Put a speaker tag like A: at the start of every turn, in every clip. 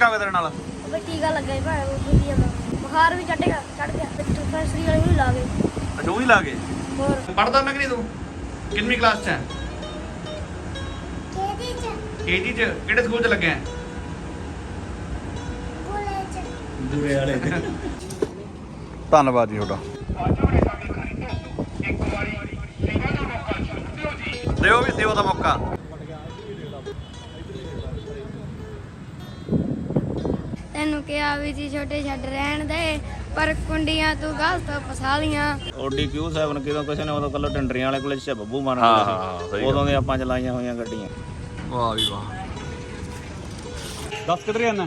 A: ਧੱਕਾ ਹੋਇਆ ਤੇਰੇ ਨਾਲ?
B: ਉਹ ਟੀਕਾ ਲੱਗਾ ਭਾਵੇਂ ਉਹ ਦੁੱਧ ਜਾਂਦਾ ਬੁਖਾਰ ਵੀ ਚੜ ਗਿਆ ਤੇ ਡਿਸਪੈਂਸਰੀ ਵਾਲੇ ਨੂੰ ਲਾ ਗਏ।
A: ਅੱਛਾ ਉਹ ਹੀ ਲਾ ਗਏ।
B: ਹੋਰ
A: ਪੜਦਾ ਮੈਂ ਕਿ ਨਹੀਂ ਤੂੰ? ਕਿੰਨਵੀਂ ਕਲਾਸ 'ਚ ਹੈ? KG 'ਚ। ਕਿਹੜੇ ਸਕੂਲ 'ਚ ਲੱਗਿਆ?
C: ਦੂਰੇ ਵਾਲੇ
A: ਧੰਨਵਾਦ ਜੀ ਤੁਹਾਡਾ। ਦਿਓ ਵੀ ਸੇਵਾ ਦਾ ਮੌਕਾ।
B: ਤੈਨੂੰ ਕਿਹਾ ਵੀ ਜੀ ਛੋਟੇ ਛੱਡ ਰਹਿਣ ਦੇ ਪਰ ਕੁੰਡੀਆਂ ਤੂੰ ਗਲਤ ਫਸਾ ਲੀਆਂ।
C: ਓਡੀ Q7 ਕਿਦੋਂ ਕਿਸੇ ਨੇ ਉਦੋਂ ਕੱਲੋ ਟੰਡਰੀਆਂ ਵਾਲੇ ਕੋਲੇ ਚ ਬੱਬੂ ਮਾਰਨ
A: ਹਾਂ,
C: ਕੋਲੇ
A: ਸਹੀ
C: ਸੀ। ਉਦੋਂ ਦੇ ਆਪਾਂ ਚਲਾਈਆਂ ਹੋਈਆਂ ਗੱਡੀਆਂ।
A: ਵਾਹ ਵੀ ਵਾਹ। ਦੱਸ ਕਿੱਧਰ ਜਾਣਾ?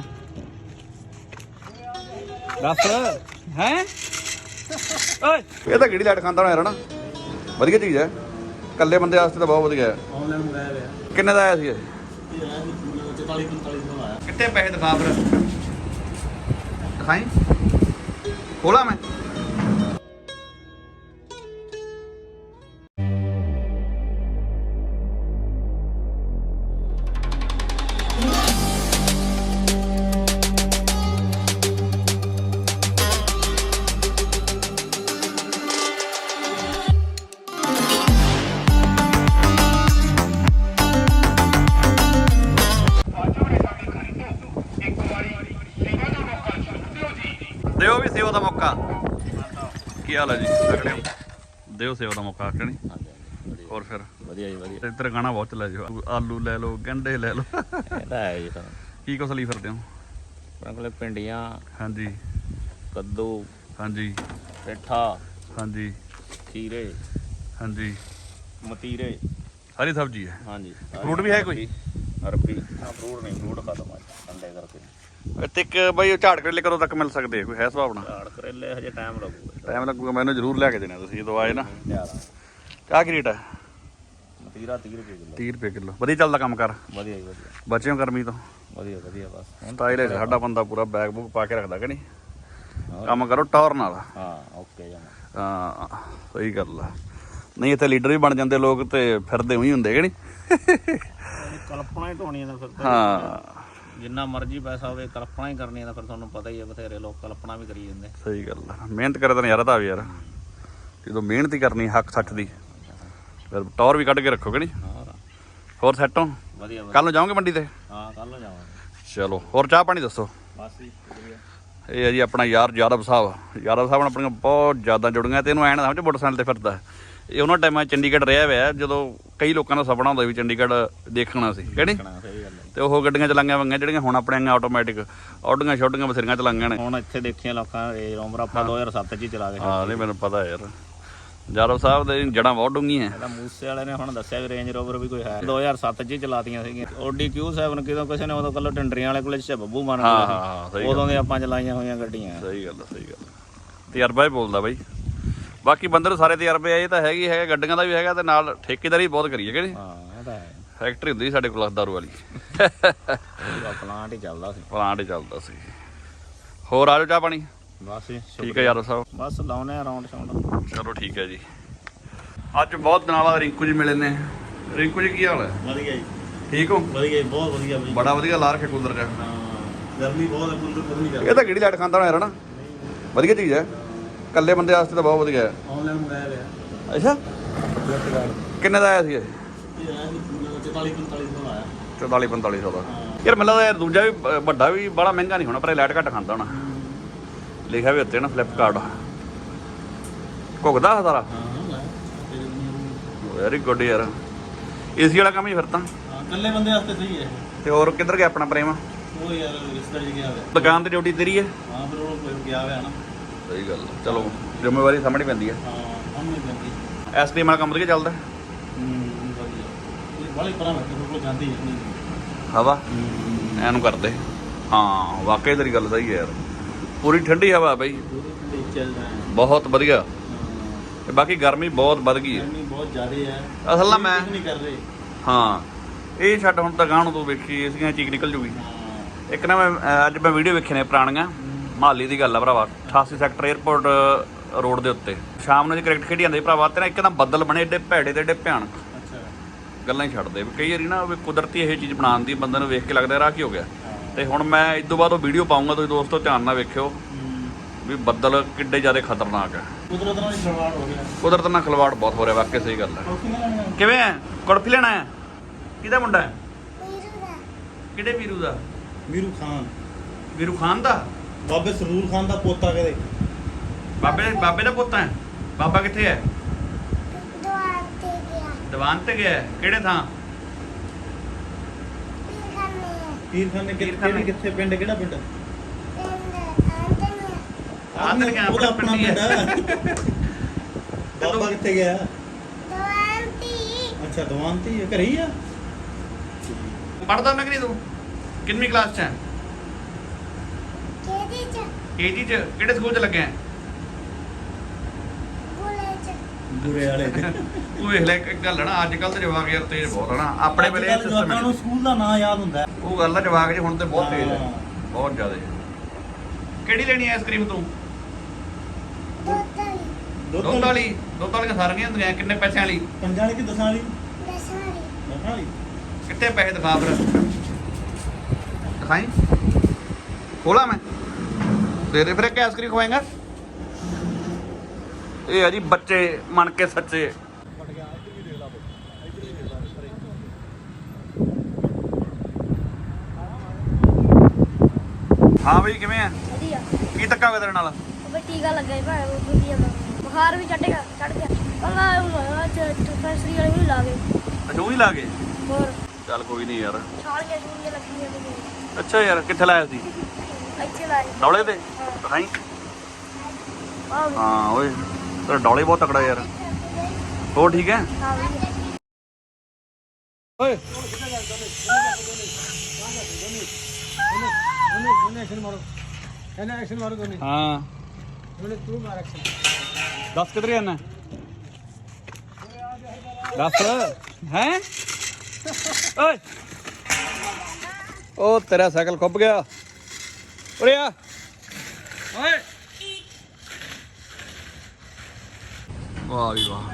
A: ਦੱਸ ਹੈ ਓਏ। ਇਹ ਤਾਂ ਕਿਹੜੀ ਲਾਈਟ ਖਾਂਦਾ ਹੋਣਾ ਯਾਰ ਨਾ। ਵਧੀਆ ਚੀਜ਼ ਹੈ, ਇਕੱਲੇ ਬੰਦੇ ਵਾਸਤੇ ਤਾਂ ਬਹੁਤ ਵਧੀਆ ਹੈ।
C: ਆਨਲਾਈਨ ਮੰਗਾਇਆ ਹੋਇਆ।
A: ਕਿੰਨੇ ਦਾ ਆਇਆ ਸੀ ਇਹ?
C: ਇਹ ਆਇਆ ਸੀ 44-45 ਦਾ ਆਇਆ।
A: ਕਿੱਥੇ ਪੈਸੇ ਦਿਖਾ ਫਿਰ, ਦਿਖਾਈ ਖੋਲਾ ਮੈਂ। ਦਿਓ ਵੀ ਸੇਵਾ ਦਾ ਮੌਕਾ। ਕੀ ਹਾਲ ਹੈ ਜੀ? ਤਕੜੇ ਹੋ? ਦਿਓ ਸੇਵਾ ਦਾ ਮੌਕਾ ਕਿ ਨਹੀਂ? ਹੋਰ ਫਿਰ
C: ਵਧੀਆ ਜੀ ਵਧੀਆ।
A: ਇੱਧਰ ਗਾਣਾ ਬਹੁਤ ਚੱਲਿਆ ਜੀ, ਆਲੂ ਲੈ ਲਓ, ਗੰਢੇ ਲੈ ਲਓ।
C: ਇਹ ਤਾਂ ਹੈ ਜੀ ਤਾਂ
A: ਕੀ ਕੁਛ ਲਈ ਫਿਰਦੇ ਹੋ?
C: ਆਪਣੇ ਕੋਲੇ ਭਿੰਡੀਆਂ,
A: ਹਾਂਜੀ
C: ਕੱਦੂ,
A: ਹਾਂਜੀ
C: ਪੇਠਾ,
A: ਹਾਂਜੀ
C: ਖੀਰੇ,
A: ਹਾਂਜੀ
C: ਮਤੀਰੇ।
A: ਹਰੀ ਸਬਜ਼ੀ ਹੈ।
C: ਹਾਂਜੀ
A: ਫਰੂਟ ਵੀ ਹੈ ਕੋਈ?
C: ਅਰਬੀ। ਹਾਂ ਫਰੂਟ ਨਹੀਂ, ਫਰੂਟ ਖਤਮ ਆ ਅੰਡੇ ਕਰਕੇ।
A: ਇੱਥੇ ਇੱਕ ਬਈ ਉਹ ਝਾੜ ਕਰੇਲੇ ਕਦੋਂ ਤੱਕ ਮਿਲ ਸਕਦੇ ਆ? ਕੋਈ ਹੈ ਸੁਭਾਵਨਾ?
C: ਝਾੜ ਕਰੇਲੇ ਹਜੇ ਟਾਈਮ ਲੱਗੂਗਾ।
A: ਟਾਈਮ ਲੱਗੂਗਾ, ਮੈਨੂੰ ਜ਼ਰੂਰ ਲੈ ਕੇ ਦੇਣਾ ਤੁਸੀਂ ਜਦੋਂ ਆਏ ਨਾ।
C: ਜ਼ਿਆਦਾ
A: ਚਾਹ ਕੀ ਰੇਟ ਹੈ?
C: ਮਤੀਰਾ 30 ਰੁਪਏ ਕਿਲੋ।
A: 30 ਰੁਪਏ ਕਿਲੋ। ਵਧੀਆ ਚੱਲਦਾ ਕੰਮ ਕਰ?
C: ਵਧੀਆ ਜੀ ਵਧੀਆ
A: ਬਚੇ ਹੋ ਗਰਮੀ ਤੋਂ?
C: ਵਧੀਆ ਵਧੀਆ ਬਸ
A: ਸਟਾਈਲ ਹੈ ਸਾਡਾ ਬੰਦਾ, ਪੂਰਾ ਬੈਗ ਬੁੱਕ ਪਾ ਕੇ ਰੱਖਦਾ ਕਿ ਨਹੀਂ?
C: ਹੋਰ।
A: ਕੰਮ ਕਰੋ ਟੌਰ ਨਾਲ।
C: ਹਾਂ ਓਕੇ ਜਮਾ।
A: ਹਾਂ ਸਹੀ ਗੱਲ ਆ। ਨਹੀਂ ਇੱਥੇ ਲੀਡਰ ਵੀ ਬਣ ਜਾਂਦੇ ਲੋਕ ਤੇ ਫਿਰਦੇ ਉਹੀ ਹੁੰਦੇ ਕਿ ਨਹੀਂ?
C: ਕਲਪਨਾ ਹੀ ਢੋਣੀ ਦਾ ਫਿਰ ਤਾਂ।
A: ਹਾਂ
C: ਜਿੰਨਾ ਮਰਜ਼ੀ ਪੈਸਾ ਹੋਵੇ ਕਲਪਨਾ ਹੀ ਕਰਨੀ ਦਾ ਫਿਰ ਤੁਹਾਨੂੰ ਪਤਾ ਹੀ ਹੈ। ਬਥੇਰੇ ਲੋਕ ਕਲਪਨਾ ਵੀ ਕਰੀ ਜਾਂਦੇ।
A: ਸਹੀ ਗੱਲ ਆ। ਮਿਹਨਤ ਕਰੇ ਤਾਂ ਨਜ਼ਾਰਾ ਤਾਂ ਆਵੇ ਯਾਰ। ਜਦੋਂ ਮਿਹਨਤ ਹੀ ਕਰਨੀ ਹੱਕ ਸੱਚ ਦੀ, ਫਿਰ ਟੌਰ ਵੀ ਕੱਢ ਕੇ ਰੱਖੋ ਕਿ ਨਹੀਂ?
C: ਹੋਰ
A: ਹੋਰ ਸੈੱਟ ਹੋ?
C: ਵਧੀਆ ਵਧੀਆ।
A: ਕੱਲ ਨੂੰ ਜਾਓਗੇ ਮੰਡੀ ਤੇ?
C: ਹਾਂ ਕੱਲ ਨੂੰ ਜਾਵਾਂਗੇ।
A: ਚਲੋ ਹੋਰ ਚਾਹ ਪਾਣੀ ਦੱਸੋ।
C: ਬਸ ਜੀ ਵਧੀਆ।
A: ਇਹ ਹੈ ਜੀ ਆਪਣਾ ਯਾਰ ਯਾਦਵ ਸਾਹਿਬ। ਯਾਦਵ ਸਾਹਿਬ ਨਾਲ ਆਪਣੀਆਂ ਬਹੁਤ ਜ਼ਿਆਦਾ ਜੁੜੀਆਂ ਤੇ ਇਹਨੂੰ ਐਂ ਨਾ ਸਮਝ ਮੋਟਰਸਾਈਕਲ ਤੇ ਫਿਰਦਾ। ਇਹ ਉਹਨਾਂ ਟਾਈਮਾਂ ਚੰਡੀਗੜ੍ਹ ਰਿਹਾ ਹੋਇਆ ਜਦੋਂ ਕਈ ਲੋਕਾਂ ਦਾ ਸੁਪਨਾ ਹੁੰਦਾ ਵੀ ਚੰਡੀਗੜ੍ਹ ਦੇਖਣਾ ਸੀ ਕਿ ਨਹੀਂ?
C: ਸਹੀ ਗੱਲ ਹੈ।
A: ਤੇ ਉਹ ਗੱਡੀਆਂ ਚਲਾਈਆਂ ਵੰਗੀਆਂ ਜਿਹੜੀਆਂ ਹੁਣ ਆਪਣੇ ਆਟੋਮੈਟਿਕ ਆਡੀਆਂ ਛੋਟੀਆਂ ਬਥੇਰੀਆਂ ਚਲਾਈਆਂ ਨੇ।
C: ਹੁਣ ਇੱਥੇ ਦੇਖੀਆਂ ਲੋਕਾਂ ਰੇਂਜ ਰੋਵਰ ਆਪਾਂ 2007 ਚ ਹੀ ਚਲਾ ਕੇ
A: ਹਾਂ ਨਹੀਂ ਮੈਨੂੰ ਪਤਾ ਯਾਰ, ਯਾਦਵ ਸਾਹਿਬ ਦੇ ਜੜ੍ਹਾਂ ਬਹੁਤ ਡੂੰਘੀਆਂ।
C: ਇਹਦਾ ਮੂਸੇ ਵਾਲੇ ਨੇ ਹੁਣ ਦੱਸਿਆ ਵੀ ਰੇਂਜ ਰੋਵਰ ਵੀ ਕੋਈ ਹੈ 2007 ਚ ਹੀ ਚਲਾਤੀਆਂ ਸੀਗੀਆਂ। ਓਡੀ Q7 ਕਿਦੋਂ ਕਿਸੇ ਨੇ ਉਦੋਂ ਕੱਲੋ ਟੰਡਰੀਆਂ ਵਾਲੇ ਕੋਲੇ ਚ ਬੱਬੂ ਮਾਰਨ ਕੋਲੇ
A: ਹਾਂ
C: ਸੀ। ਉਦੋਂ ਦੇ ਆਪਾਂ ਚਲਾਈਆਂ ਹੋਈਆਂ ਗੱਡੀਆਂ।
A: ਸਹੀ ਗੱਲ ਆ, ਸਹੀ ਗੱਲ। ਤਜਰਬਾ ਹੀ ਬੋਲਦਾ ਬਾਈ। ਬਾਕੀ ਬੰਦੇ ਨੂੰ ਸਾਰੇ ਤਜਰਬੇ ਆ। ਇਹ ਤਾਂ ਹੈਗੀ ਹੈਗਾ, ਗੱਡੀਆਂ ਦਾ ਵੀ ਹੈਗਾ ਤੇ ਨਾਲ ਠੇਕੇਦਾਰੀ ਬਹੁਤ ਕਰੀਏ ਕਿ ਨਹੀਂ?
C: ਹਾਂ ਇਹ ਤਾਂ ਹੈ।
A: ਫੈਕਟਰੀ ਹੁੰਦੀ ਸੀ ਸਾਡੇ ਕੋਲ ਦਾਰੂ ਵਾਲੀ।
C: ਪੂਰਾ ਪਲਾਂਟ ਹੀ ਚੱਲਦਾ ਸੀ।
A: ਪਲਾਂਟ ਹੀ ਚੱਲਦਾ ਸੀ। ਹੋਰ ਆ ਜਾਓ ਚਾਹ ਪਾਣੀ।
C: ਬਸ ਜੀ
A: ਠੀਕ ਹੈ ਯਾਦਵ ਸਾਹਿਬ।
C: ਬਸ ਲਾਉਨੇ ਆ ਰਾਉਂਡ ਸ਼ਾਉਂਡ।
A: ਚਲੋ ਠੀਕ ਹੈ ਜੀ। ਅੱਜ ਬਹੁਤ ਦਿਨਾਂ ਬਾਅਦ ਰਿੰਕੂ ਜੀ ਮਿਲੇ ਨੇ। ਰਿੰਕੂ ਜੀ ਕੀ ਹਾਲ ਹੈ?
C: ਵਧੀਆ ਜੀ
A: ਠੀਕ ਹੋ?
C: ਵਧੀਆ ਜੀ ਬਹੁਤ ਵਧੀਆ ਬਈ।
A: ਬੜਾ ਵਧੀਆ ਲਾ ਰੱਖਿਆ ਕੂਲਰ ਚ।
C: ਹਾਂ ਗਰਮੀ ਬਹੁਤ ਹੈ, ਕੂਲਰ ਗਰਮੀ
A: ਇਹ ਤਾਂ ਕਿਹੜੀ ਲਾਈਟ ਖਾਂਦਾ ਹੋਣਾ ਯਾਰ ਨਾ। ਵਧੀਆ ਚੀਜ਼ ਹੈ, ਇਕੱਲੇ ਬੰਦੇ ਵਾਸਤੇ ਤਾਂ ਬਹੁਤ ਵਧੀਆ ਹੈ।
C: ਆਨਲਾਈਨ ਮੰਗਾਇਆ ਹੋਇਆ।
A: ਅੱਛਾ ਕਿੰਨੇ ਦਾ ਆਇਆ ਸੀ ਇਹ?
C: ਇਹ ਆਇਆ ਸੀ 44-45 ਦਾ ਆਇਆ।
A: 44-4500 ਦਾ। ਯਾਰ ਮੈਨੂੰ ਲੱਗਦਾ ਯਾਰ ਦੂਜਾ ਵੀ ਵੱਡਾ ਵੀ ਬੜਾ ਮਹਿੰਗਾ ਨਹੀਂ ਹੋਣਾ, ਪਰ ਇਹ ਲਾਈਟ ਘੱਟ ਖਾਂਦਾ ਹੋਣਾ। ਲਿਖਿਆ ਵੀ ਉੱਤੇ ਨਾ ਫਲਿੱਪਕਾਰਟ। ਘੁੱਗਦਾ ਸਾਰਾ। ਵੈਰੀ ਗੁੱਡ ਯਾਰ। ਏਸੀ ਵਾਲਾ ਕੰਮ ਹੀ ਫਿਰ ਤਾਂ।
C: ਇਕੱਲੇ ਬੰਦੇ ਵਾਸਤੇ ਸਹੀ ਹੈ।
A: ਤੇ ਹੋਰ ਕਿੱਧਰ ਗਿਆ ਆਪਣਾ ਪ੍ਰੇਮ?
C: ਉਹ ਯਾਰ ਰਿਸ਼ਤੇਦਾਰੀ ਗਿਆ ਹੋਇਆ।
A: ਦੁਕਾਨ ਤੇ ਡਿਊਟੀ ਤੇਰੀ ਹੈ?
C: ਹਾਂ ਫਿਰ ਉਹ ਕੋਈ ਗਿਆ ਹੋਇਆ ਨਾ।
A: ਸਹੀ ਗੱਲ। ਚਲੋ ਜ਼ਿੰਮੇਵਾਰੀ ਸਾਹਮਣੇ ਪੈਂਦੀ ਹੈ।
C: ਹਾਂ ਸਾਹਮਣੇ ਪੈਂਦੀ।
A: ਐਸਡੀਐਮ ਵਾਲਾ ਕੰਮ ਵਧੀਆ ਚੱਲਦਾ?
C: ਵਧੀਆ। ਇਹ ਬਾਲੇ ਪਰਾਂ ਮੇਰੇ ਕੋਲ ਜਾਂਦੀ ਨਹੀਂ
A: ਹਵਾ ਐਨੂੰ ਕਰਦੇ। ਹਾਂ ਵਾਕਈ ਤੇਰੀ ਗੱਲ ਸਹੀ ਹੈ ਯਾਰ। ਪੂਰੀ ਠੰਡੀ ਹਵਾ ਬਈ, ਬਹੁਤ ਵਧੀਆ। ਤੇ ਬਾਕੀ ਗਰਮੀ ਬਹੁਤ ਵੱਧ ਗਈ ਹੈ।
C: ਗਰਮੀ ਬਹੁਤ ਜ਼ਿਆਦਾ ਹੈ
A: ਅਸਲ ਨਾਲ ਮੈਂ
C: ਨਹੀਂ ਕਰ ਰਹੇ।
A: ਹਾਂ ਇਹ ਛੱਡ ਹੁਣ ਤਾਂ ਗਾਂ ਨੂੰ ਤੂੰ ਵੇਖੀ ਇਸਦੀਆਂ ਚੀਕ ਨਿਕਲ ਜੂਗੀ। ਇੱਕ ਨਾ ਮੈਂ ਅੱਜ ਮੈਂ ਵੀਡੀਓ ਵੇਖੀ ਨੇ ਪੁਰਾਣੀਆਂ, ਮਹਾਲੀ ਦੀ ਗੱਲ ਆ ਭਰਾਵਾ। 88 ਸੈਕਟਰ ਏਅਰਪੋਰਟ ਰੋਡ ਦੇ ਉੱਤੇ ਸ਼ਾਮ ਨੂੰ ਜੇ ਕ੍ਰਿਕਟ ਖੇਡੀ ਜਾਂਦੇ ਭਰਾਵਾ, ਤੇ ਨਾ ਇੱਕ ਤਾਂ ਬੱਦਲ ਬਣੇ ਏਡੇ ਭੈੜੇ ਤੇ ਏਡੇ ਭਿਆਨਕ।
C: ਅੱਛਾ
A: ਗੱਲਾਂ ਹੀ ਛੱਡਦੇ ਵੀ ਕਈ ਵਾਰੀ ਨਾ ਵੀ ਕੁਦਰਤੀ ਇਹ ਚੀਜ਼ ਬਣਾਉਣ ਦੀ ਬੰਦੇ ਨੂੰ ਵੇਖ ਕੇ ਲੱਗਦਾ ਰਾਹ ਕੀ ਹੋ ਗਿਆ। ਤੇ ਹੁਣ ਮੈਂ ਇਸ ਤੋਂ ਬਾਅਦ ਉਹ ਵੀਡੀਓ ਪਾਉਂਗਾ, ਤੁਸੀਂ ਦੋਸਤੋ ਧਿਆਨ ਨਾਲ ਵੇਖਿਓ ਵੀ ਬੱਦਲ ਕਿੱਡੇ ਜ਼ਿਆਦਾ ਖਤਰਨਾਕ ਹੈ।
C: ਕੁਦਰਤ ਨਾਲ ਖਿਲਵਾੜ ਹੋ ਗਿਆ।
A: ਕੁਦਰਤ ਨਾਲ ਖਿਲਵਾੜ ਬਹੁਤ ਹੋ ਰਿਹਾ, ਵਾਕਿਆ ਸਹੀ ਗੱਲ ਹੈ। ਕਿਵੇਂ ਹੈ? ਕੁਲਫੀ ਲੈਣਾ ਹੈ? ਕਿਹਦਾ ਮੁੰਡਾ ਹੈ? ਕਿਹੜੇ ਵੀਰੂ ਦਾ?
C: ਵੀਰੂ ਖਾਨ।
A: ਵੀਰੂ ਖਾਨ ਦਾ?
C: ਬਾਬੇ ਸਰੂਰ ਖਾਨ ਦਾ ਪੋਤਾ ਕਹਦੇ।
A: ਬਾਬੇ ਦਾ ਪੁੱਤ ਹੈ? ਬਾਬਾ ਕਿੱਥੇ ਹੈ? ਦੀਵਾਨ ਤੇ ਗਿਆ ਹੈ? ਕਿਹੜੇ ਥਾਂ?
C: ਪੀਰਖਾਨੇ ਕਿੱਥੇ ਪਿੰਡ? ਕਿਹੜਾ ਪਿੰਡ?
A: ਆਦਰ ਗਿਆ
C: ਉਹਦਾ
A: ਆਪਣਾ
C: ਆਪਣਾ
A: ਪਿੰਡ ਹੈ।
C: ਬਾਬਾ ਕਿੱਥੇ ਗਿਆ? ਅੱਛਾ ਦਵਾਨਤੀ ਘਰੇ ਹੀ ਆ।
A: ਪੜਦਾ ਨਾ ਕਰੀ ਤੂੰ? ਕਿੰਨੀ ਕਲਾਸ ਚ ਹੈ? ਕੇਜੀ ਚ? ਕਿਹੜੇ ਸਕੂਲ ਚ ਲੱਗਿਆ?
C: ਬੁਰੇ ਵਾਲੇ ਦੇ।
A: ਤੂੰ ਵੇਖ ਲੈ ਇੱਕ ਗੱਲ ਹੈ ਨਾ, ਅੱਜ ਕੱਲ ਦੇ ਜਵਾਕ ਯਾਰ ਤੇਜ਼ ਬਹੁਤ ਹੈ ਨਾ। ਆਪਣੇ ਵੇਲੇ ਇਹ ਸਿਸਟਮ
C: ਜਵਾਕਾਂ ਨੂੰ ਸਕੂਲ ਦਾ ਨਾਂ ਯਾਦ ਹੁੰਦਾ ਹੈ।
A: ਉਹ ਗੱਲ ਹੈ, ਜਵਾਕ ਜੀ ਹੁਣ ਤੇ ਬਹੁਤ ਤੇਜ਼ ਹੈ,
C: ਹਾਂ।
A: ਬਹੁਤ ਜ਼ਿਆਦਾ। ਕਿਹੜੀ ਲੈਣੀ ਹੈ ਆਈਸਕ੍ਰੀਮ ਤੂੰ? ਦੁੱਧ ਵਾਲੀ? ਦੁੱਧ ਵਾਲੀਆਂ ਸਾਰੀਆਂ ਹੁੰਦੀਆਂ, ਕਿੰਨੇ ਪੈਸਿਆਂ ਵਾਲੀ?
C: 5 ਵਾਲੀ ਕਿ 10 ਵਾਲੀ? 10 ਵਾਲੀ।
A: ਕਿੱਥੇ ਪੈਸੇ ਦਿਖਾ ਫਿਰ, ਦਿਖਾਈ ਖੋਲਾ ਮੈਂ ਦੇ ਫਿਰ ਇੱਕ ਆਈਸਕ੍ਰੀਮ ਖਵਾਏਗਾ। ਇਹ ਆ ਜੀ ਬੱਚੇ ਮਨ ਕੇ ਸੱਚੇ। ਹਾਂ ਬਈ ਕਿਵੇਂ ਆ?
B: ਵਧੀਆ।
A: ਕੀ ਧੱਕਾ ਹੋਇਆ ਤੇਰੇ ਨਾਲ?
B: ਉਹ ਟੀਕਾ ਲੱਗਾ ਭਾਈ, ਉਹ ਵਧੀਆ ਬੁਖਾਰ ਵੀ ਚੜ ਗਿਆ ਅੱਲਾ ਫੈਸਰੀ ਵਾਲੇ ਵੀ ਲਾ ਗਏ।
A: ਅਜੂ ਹੀ ਲਾ ਗਏ?
B: ਹੋਰ
A: ਚੱਲ ਕੋਈ ਨਹੀਂ ਯਾਰ।
B: ਛਾਲੀਆਂ ਛੂਲੀਆਂ ਲੱਗੀਆਂ ਤੇ
A: ਅੱਛਾ ਯਾਰ, ਕਿੱਥੇ ਲਾਇਆ ਸੀ?
B: ਇੱਥੇ ਲਾਏ।
A: ਡੌਲੇ ਤੇ ਦਿਖਾਈ। ਹਾਂ ਓਏ ਤੇਰਾ ਡੌਲੇ ਬਹੁਤ ਤਕੜਾ ਯਾਰ। ਹੋਰ ਠੀਕ ਹੈ?
B: ਹਾਂ ਵਧੀਆ।
A: ਓਏ ਹਾਂ ਦੱਸ ਕਿੱਧਰ ਜਾਣਾ? ਦੱਸ ਹੈ। ਓਏ ਉਹ ਤੇਰਾ ਸਾਈਕਲ ਖੁੱਭ ਗਿਆ। ਉਰੇ ਆ ਓਏ। ਵਾਹ ਵੀ ਵਾਹ,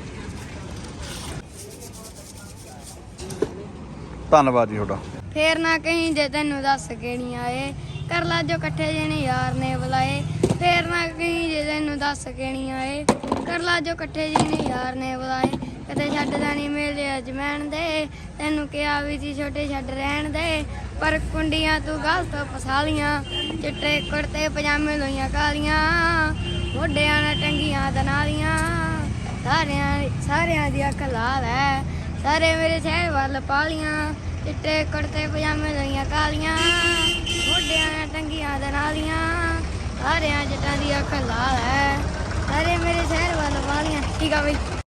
A: ਧੰਨਵਾਦ ਜੀ ਤੁਹਾਡਾ।
B: ਫੇਰ ਨਾ ਕਹੀਂ ਜੇ ਤੈਨੂੰ ਦੱਸ ਕੇ ਨਹੀਂ ਆਏ, ਕਰ ਲਾ ਜੋ ਇਕੱਠੇ ਜਿਹਨੇ ਯਾਰ ਨੇ ਬੁਲਾਏ। ਫੇਰ ਨਾ ਕਹੀਂ ਜੇ ਤੈਨੂੰ ਦੱਸ ਕੇ ਨਹੀਂ ਆਏ, ਕਰ ਲਾ ਜੋ ਇਕੱਠੇ ਜਿਹਨੇ ਯਾਰ ਨੇ ਬੁਲਾਏ। ਕਦੇ ਛੱਡਦਾ ਨਹੀਂ ਮੇਲੇ ਅਜਮੈਣ ਦੇ, ਤੈਨੂੰ ਕਿਹਾ ਵੀ ਸੀ ਛੋਟੇ ਛੱਡ ਰਹਿਣ ਦੇ, ਪਰ ਕੁੰਡੀਆਂ ਤੂੰ ਗਲਤ ਫਸਾ ਲੀਆਂ। ਚਿੱਟੇ ਕੁੜਤੇ ਪਜਾਮੇ ਲੋਈਆਂ ਕਾਲੀਆਂ, ਮੋਢਿਆਂ ਨਾਲ ਟੰਗੀਆਂ ਦਨਾਲੀਆਂ। ਸਾਰਿਆਂ ਦੀ ਅੱਖ ਲਾਲ ਹੈ, ਸਾਰੇ ਮੇਰੇ ਸ਼ਹਿਰ ਵੱਲ ਪਾਲੀਆਂ। ਚਿੱਟੇ ਕੁੜਤੇ ਪਜਾਮੇ ਲੋਈਆਂ ਕਾਲੀਆਂ, ਮੋਢਿਆਂ ਨਾਲ ਟੰਗੀਆਂ ਦਨਾਲੀਆਂ। ਸਾਰਿਆਂ ਜੱਟਾਂ ਦੀ ਅੱਖ ਲਾਲ ਹੈ, ਸਾਰੇ ਮੇਰੇ ਸ਼ਹਿਰ ਵੱਲ ਪਾਲੀਆਂ। ਠੀਕ ਆ ਬਈ।